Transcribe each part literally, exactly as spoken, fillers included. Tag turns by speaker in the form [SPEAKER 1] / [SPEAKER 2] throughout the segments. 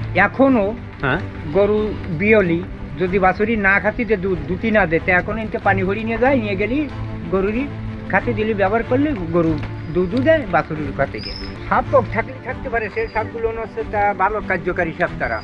[SPEAKER 1] এখনো
[SPEAKER 2] হ্যাঁ
[SPEAKER 1] গরু বিয়লি যদি বাছুরি না খাতিতে দুধ দুটি না দেতে এখন এনতে পানি ভরি নিয়ে যায়, নিয়ে গেলি গরুরই খাতে দিলি ব্যবহার করলে গরু দুধও দেয়, বাছুরির খাতে দেয়। সাপ পোক থাকলে থাকতে পারে, সে সাপগুলো হচ্ছে তা ভালো কার্যকারী সাপ তারা।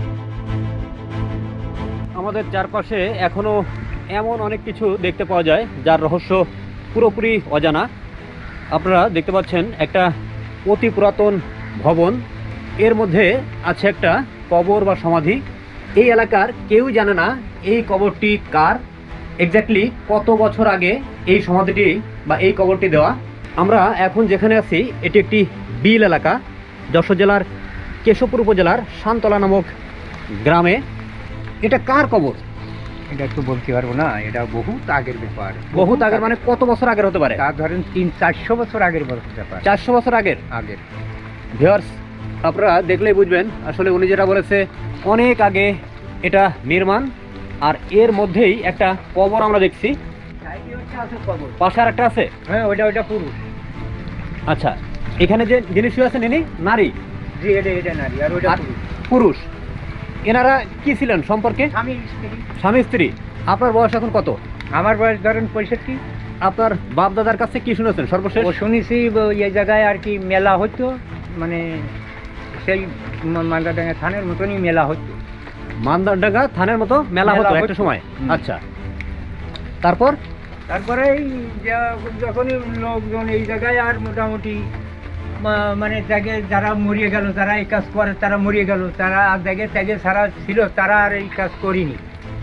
[SPEAKER 2] আমাদের চারপাশে এখনো এমন অনেক কিছু দেখতে পাওয়া যায় যার রহস্য পুরোপুরি অজানা। আপনারা দেখতে পাচ্ছেন একটা অতি পুরাতন ভবন, এর মধ্যে আছে একটা কবর বা সমাধি। এই এলাকার কেউ জানে না এই কবরটি কার, এক্স্যাক্টলি কত বছর আগে এই সমাধিটি বা এই কবরটি দেওয়া। আমরা এখন যেখানে আছি এটি একটি বিল এলাকা, যশোর জেলার কেশবপুর উপজেলার শান্তলা নামক গ্রামে। এটা কার কবর
[SPEAKER 1] এটা একটু বলতে পারবো না, এটা বহুত আগের ব্যাপার।
[SPEAKER 2] বহুত আগের মানে কত বছর আগের হতে পারে?
[SPEAKER 1] তা ধরেন তিন চারশো বছর আগের ব্যাপার।
[SPEAKER 2] চারশো বছর আগের
[SPEAKER 1] আগের
[SPEAKER 2] ভিউয়ার্স, আপনারা দেখলেই বুঝবেন আসলে উনি যেটা বলেছে অনেক আগে এটা নির্মাণ। আর এর মধ্যেই একটা কবর আমরা দেখছি, পাশে আর একটা আছে।
[SPEAKER 1] হ্যাঁ, ওইটা ওইটা পুরুষ।
[SPEAKER 2] আচ্ছা, এখানে যে জিনিস আছে ইনি নারী?
[SPEAKER 1] জি, এটা এটা নারী আর ওইটা পুরুষ।
[SPEAKER 2] পুরুষ। এনারা কি ছিলেন সম্পর্কে?
[SPEAKER 1] স্বামী স্ত্রী।
[SPEAKER 2] স্বামী স্ত্রী। আপনার বয়স এখন কত?
[SPEAKER 1] আমার বয়স ধরেন পঁয়ষট্টি।
[SPEAKER 2] আপনার বাপ দাদার কাছে কি শুনেছেন সর্বশেষ?
[SPEAKER 1] ও শুনেছি এই জায়গায় আর কি মেলা হতো, মানে সেই মান্দাডাঙ্গা থানের মতনই মেলা হতো।
[SPEAKER 2] মান্দারডাঙ্গা থানের মতো মেলা হতো একটা সময়? আচ্ছা, তারপর
[SPEAKER 1] তারপরে এই যখনই লোকজন এই জায়গায় আর মোটামুটি মানে ত্যাগে যারা মরিয়ে গেল, যারা এই কাজ করে তারা মরিয়ে গেল, তারা আর ত্যাগে ত্যাগে সারা ছিল তারা আর এই কাজ করিনি।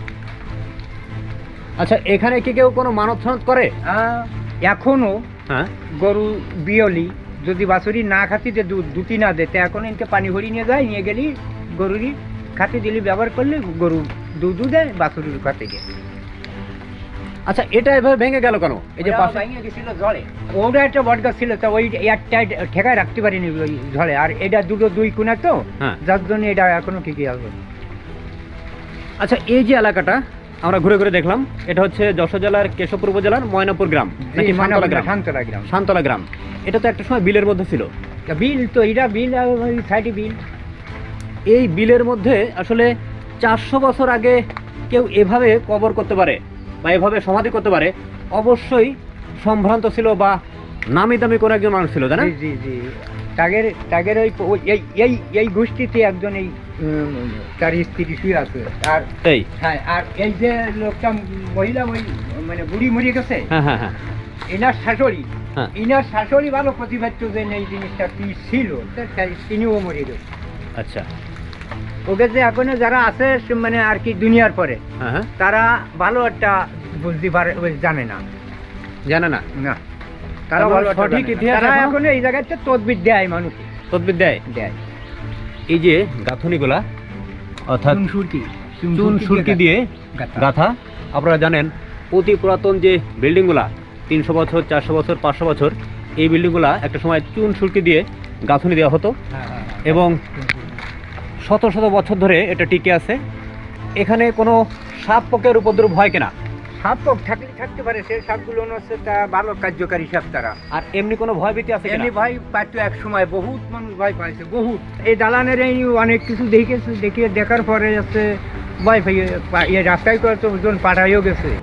[SPEAKER 2] আচ্ছা, এখানে কি কেউ কোনো মানত ফানত করে?
[SPEAKER 1] এখনো
[SPEAKER 2] হ্যাঁ,
[SPEAKER 1] গরু বিয়লি যদি বাছুরি না খাতিতে দুধ দুটি না দেতে এখন এনকে পানি ভরি নিয়ে যায়, নিয়ে গেলি গরুরই খাতে দিলি ব্যবহার করলে গরু দুধও দেয়, বাছুরির খাতে দেয়।
[SPEAKER 2] আচ্ছা, এটা এভাবে ভেঙে গেল কেন? এই যে পাশে
[SPEAKER 1] ভেঙে গেছিল ঝড়ে, ওটা একটা বট গাছ ছিল, তা ওই একটা ঠেকায় রাখতে পারিনি ওই ঝড়ে। আর এটা দুটো দুই কোণা তো, যার জন্য এটা এখনো ঠিকই আসবে।
[SPEAKER 2] আচ্ছা, এই যে এলাকাটা আমরা ঘুরে ঘুরে দেখলাম, এটা হচ্ছে যশোর জেলার কেশবপুর উপজেলার ময়নাপুর গ্রাম, নাকি শান্তলা গ্রাম?
[SPEAKER 1] শান্তলা গ্রাম।
[SPEAKER 2] শান্তলা গ্রাম। এটা তো একটা সময় বিলের মধ্যে ছিল।
[SPEAKER 1] বিল তো এটা বিল, ওই সাইডে বিল।
[SPEAKER 2] এই বিলের মধ্যে আসলে চারশো বছর আগে কেউ এভাবে কবর করতে পারে বা এভাবে সমাধি করতে পারে, অবশ্যই সম্ভ্রান্ত ছিল বা নামি দামি কোনো একজন মানুষ ছিল, তাই না?
[SPEAKER 1] জি জি। তাগের তাগের ওই এই এই এই গোষ্ঠীতে একজন এই তার স্ত্রী শুয়ে আছে। আর
[SPEAKER 2] এই
[SPEAKER 1] হ্যাঁ, আর এই যে লোকটা মহিলা ওই মানে বুড়ি মরিয়ে গেছে,
[SPEAKER 2] হ্যাঁ হ্যাঁ হ্যাঁ,
[SPEAKER 1] এনার শাশুড়ি,
[SPEAKER 2] হ্যাঁ
[SPEAKER 1] ইনার শাশুড়ি ভালো প্রতিভাচ্য যে এই জিনিসটা কি ছিল, তিনিও মরে গেছে।
[SPEAKER 2] আচ্ছা,
[SPEAKER 1] ওকে যে এখনো যারা আছে মানে আর কি দুনিয়ার পরে,
[SPEAKER 2] হ্যাঁ হ্যাঁ,
[SPEAKER 1] তারা ভালো একটা বুঝতে পারে, জানে না
[SPEAKER 2] জানে না
[SPEAKER 1] না তারা ভালো সঠিক ইতিহাস। তারা এখন এই জায়গাতে তদবির দেয়, মানুষ
[SPEAKER 2] তদবির দেয়
[SPEAKER 1] দেয়।
[SPEAKER 2] এই যে গাঁথনিগুলা, অর্থাৎ
[SPEAKER 1] সুরকি
[SPEAKER 2] চুন সুরকি দিয়ে গাঁথা। আপনারা জানেন অতি পুরাতন যে বিল্ডিংগুলা তিনশো বছর, চারশো বছর, পাঁচশো বছর, এই বিল্ডিংগুলা একটা সময় চুন সুরকি দিয়ে গাঁথনি দেওয়া হতো এবং শত শত বছর ধরে এটা টিকে আছে। এখানে কোনো সাপ পোকের উপদ্রব হয় কিনা?
[SPEAKER 1] সাপ পোক থাকলে থাকতে পারে, সে সাপগুলো হচ্ছে তা ভালো কার্যকারী সাপ তারা।
[SPEAKER 2] আর এমনি কোনো ভয়ভীতি আছে?
[SPEAKER 1] এমনি ভয় পাইতো এক সময়, বহুত মানুষ ভয় পাইছে, বহুত। এই দালানের এই অনেক কিছু দেখেছে, দেখে দেখার পরে যাচ্ছে ভয় পেয়ে রাস্তায় করে তো ওজন পাঠাইও গেছে।